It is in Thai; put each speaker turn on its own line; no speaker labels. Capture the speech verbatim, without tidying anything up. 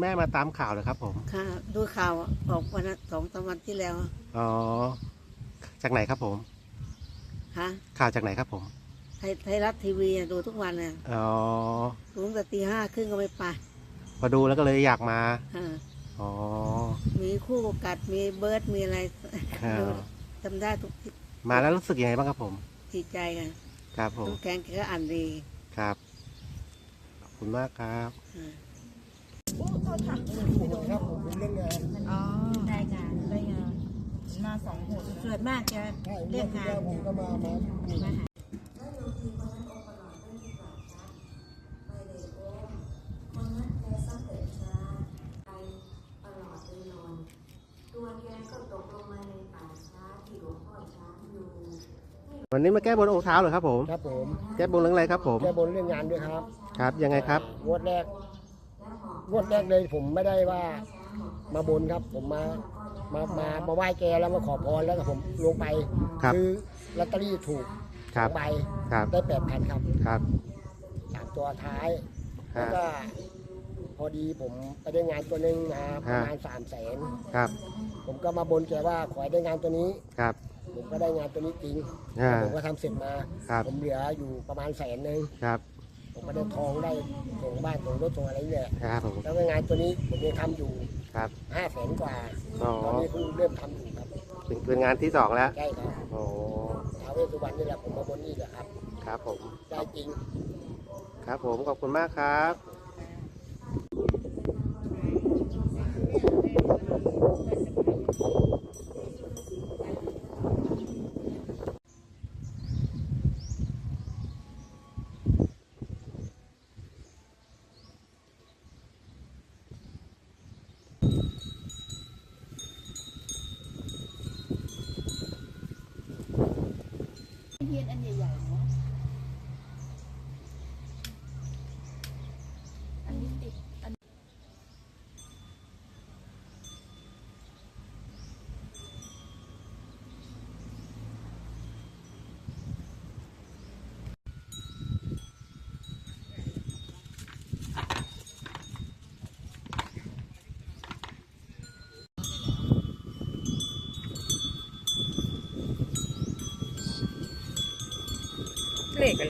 แม่มาตามข่าวเหรอครับผม
ค่ะดูข่าวออกวันสองสามวันที่แล้ว
อ๋อจากไหนครับผม
ค่ะ
ข่าวจากไหนครับผม
ไทยไทยรัฐทีวีดูทุกวันน่ะ
อ๋อ
ดูตั้งแต่ตีห้าครึ่งก็ไม่ไป
พอดูแล้วก็เลยอยากมาอ๋อ
มีคู่กัดมีเบิร์ดมีอะไรจำได้ทุกที
มาแล้วรู้สึกยังไงบ้างครับผม
ดีใจกัน
ครับผม
แกงแกก็อ่านดี
ครับขอบคุณมากครับ
ครับผมเรื่องงาน
อ๋อได้งานได้งาน
มาสองหน
ส่วนมากจะเรียกงาน
ผมก็มามา
มาหา
วันนี้มาแก้บนองค์เท้าเหรอครับผม
ครับผม
แก้บนเรื่องอะไรครับผม
แก้บนเรื่องงานด้วยครับ
ครับยังไงครับ
งวดแรกงวดแรกเลยผมไม่ได้ว่ามาบนครับผมมามามามาไหว้แกแล้วมาขอพรแล้วก็ผมลงไปคือลอตเตอรี่ถูกสองใบได้แปดพันครับ
ครับ
สามตัวท้ายแล้วก็พอดีผมไปได้งานตัวหนึ่งมาประมาณสามแสน
ครับ
ผมก็มาบนแกว่าขอให้ได้งานตัวนี้
ครับ
ผมก็ได้งานตัวนี้จริงผมก็ทำเสร็จมาผมเหลืออยู่ประมาณแสนหนึ่ง
ครับ
ผมก็ได้ทองได้ส่งบ้านส่งรถส่งอะไรเนี่ย
ครับผม
แล้วก็งานตัวนี้ผมยังทำอยู่
ครับ
ห้าแสนกว่าตอนนี้เพิ่งเริ่มทำอยู่ครับ
เป็นงานที่สองแล้ว
ใช่ครับ
โอ้
ท้าวเวสสุวรรณนี่แหละผมมาบนนี่แหละครับ
ครับผม
ได้จริง
ครับผมขอบคุณมากครับ
เทียนอันใหญ่ๆเนาะอันนี้ติดอันเลขอะไร